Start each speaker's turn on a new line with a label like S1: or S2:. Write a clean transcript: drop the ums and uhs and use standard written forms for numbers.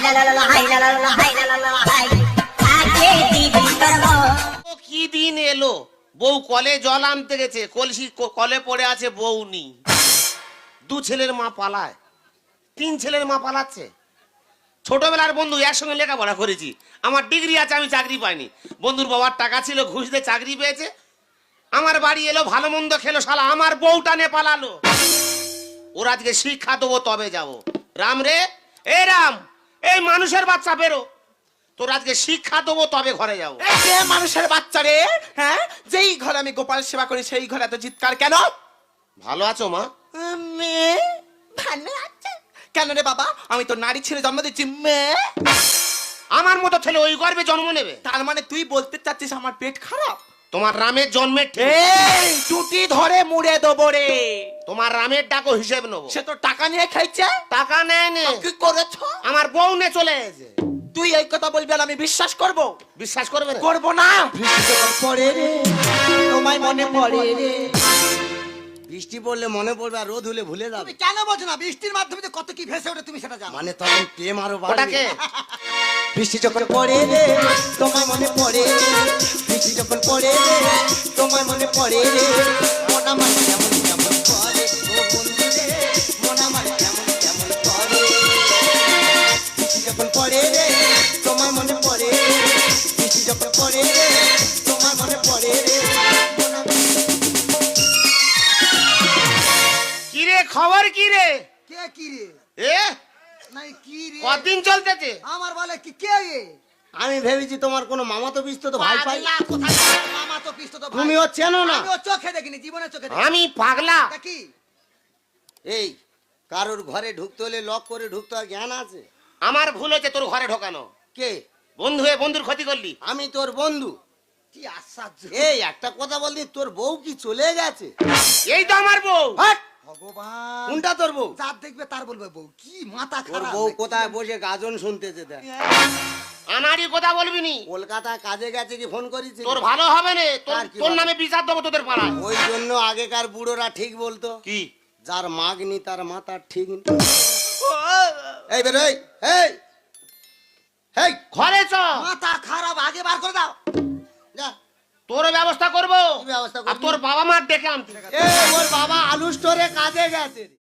S1: কি দিন এলো, বউ কলে জল আনতে গেছে, কলসি কলে পড়ে আছে, বউ নি। দু ছেলের মা পালায়, তিন ছেলের মা পালাচ্ছে। ছোটবেলার বন্ধু, একসঙ্গে লেখাপড়া করেছি, আমার ডিগ্রি আছে, আমি চাকরি পাইনি। বন্ধুর বাবার টাকা ছিল, ঘুষ দিয়ে চাকরি পেয়েছে। আমার বাড়ি এলো, ভালো মন্দ খেলো, শালা আমার বউটা নে পালালো। ওর আজকে শিক্ষা দেবো তবে যাবো। রাম রে, এ রাম, এই মানুষের বাচ্চা বেরো, তোর আজকে শিক্ষা দেবো তবে ঘরে যাবো।
S2: মানুষের বাচ্চা রে, হ্যাঁ, যেই ঘরে আমি গোপাল সেবা করি সেই ঘরে এত চিৎকার কেন?
S1: ভালো আছো মা?
S2: ভালো আছে কেন রে বাবা? আমি তো নারী ছেলে জন্ম দিচ্ছি, মেয়ে।
S1: আমার মতো ছেলে ওই গর্ভে জন্ম নেবে?
S2: তার মানে তুই বলতে চাচ্ছিস আমার পেট খারাপ?
S1: তোমার রামের জন্মের
S2: এই টুটি ধরে মুড়ে দেবো রে।
S1: তোমার রামের ডাকো হিসেব নেবো।
S2: সে তো টাকা নিয়ে খাইছে।
S1: টাকা নেয় নে।
S2: কি করেছ?
S1: আমার বউ নে চলে এসেছে।
S2: তুই এই কথা বলবি আর আমি বিশ্বাস করব?
S1: বিশ্বাস করবে না?
S2: করব না। পড়ে রে, তোমায় মনে পড়ে রে।
S3: বৃষ্টি পড়লে মনে পড়বে, আর রোদ হলে ভুলে যাবে।
S4: তুমি কেন বোঝো না? বৃষ্টির মাধ্যমে যে কত কি ভেসে ওঠে তুমি সেটা জানো।
S3: মানে তখন প্রেম আরো বাড়বে।
S1: ওটাকে
S3: বৃষ্টি যখন পড়ে রে, তোমায় মনে পড়ে রে। বৃষ্টি যখন পড়ে রে, তোমায় মনে পড়ে রে। মন আমার কেমন কেমন করে ও বন্ধু রে, মন আমার কেমন কেমন করে। বৃষ্টি যখন পড়ে রে, তোমায় মনে পড়ে রে। বৃষ্টি যখন পড়ে রে, তোমায় মনে পড়ে রে।
S1: কি রে, খবর কি রে?
S4: কে কি রে?
S1: এ
S4: নাই কি রে?
S1: কতদিন চলতেছে?
S4: আমার বলে কি কে রে?
S3: আমি ভেবেছি তোমার কোনো মামা তো পিস্তো তো ভাই পাই।
S4: পাগলা কোথায়? মামা তো পিস্তো তো ভাই।
S3: তুমি ও চেনো না?
S4: আমি ও চোখে দেখিনি, জীবনে চোখে দেখিনি।
S1: আমি পাগলা?
S4: তা কি?
S3: এই কারোর ঘরে ঢুকতে হলে লক করে ঢুকতে হয়, জ্ঞান আছে?
S1: আমার ভুল হচ্ছে তোর ঘরে ঢোকানো।
S3: কে?
S1: বন্ধু হয়ে বন্ধুর ক্ষতি করলি।
S3: আমি তোর বন্ধু।
S4: কি আশ্চর্য!
S3: এই একটা কথা বললি, তোর বউ কি চলে গেছে?
S1: এই তো আমার বউ।
S3: হাট!
S4: ভগবান!
S3: কোনটা তোর বউ?
S4: যার দেখবে তার বলবে বউ। কি মাথা
S3: তোর
S4: খারাপ!
S3: বউ কোথায় বসে গাজন শুনতেছে দেখ।
S1: আনাড়ি কথা বলবি নি।
S3: কলকাতায় কাজে গেছে কি ফোন করেছিস?
S1: তোর ভালো হবে না,
S3: আর কি
S1: তোর
S3: বলে?
S1: নামে বিচার দেবো তোদের পাড়ায়।
S3: ওই জন্য আগেকার বুড়োরা ঠিক বলতো,
S1: কি?
S3: যার মাগনি তার মাথা ঠিক নেই। এই বের এই, এই এই
S1: ঘরে চ,
S4: মাথা খারাপ, আগে বার করে দাও।
S3: যা।
S1: তোর ব্যবস্থা করবো।
S3: কি ব্যবস্থা করবি?
S1: আর তোর বাবা মার ডেকে আনতে।
S3: এই ওর বাবা আলু স্টোরে কাজে গেছে।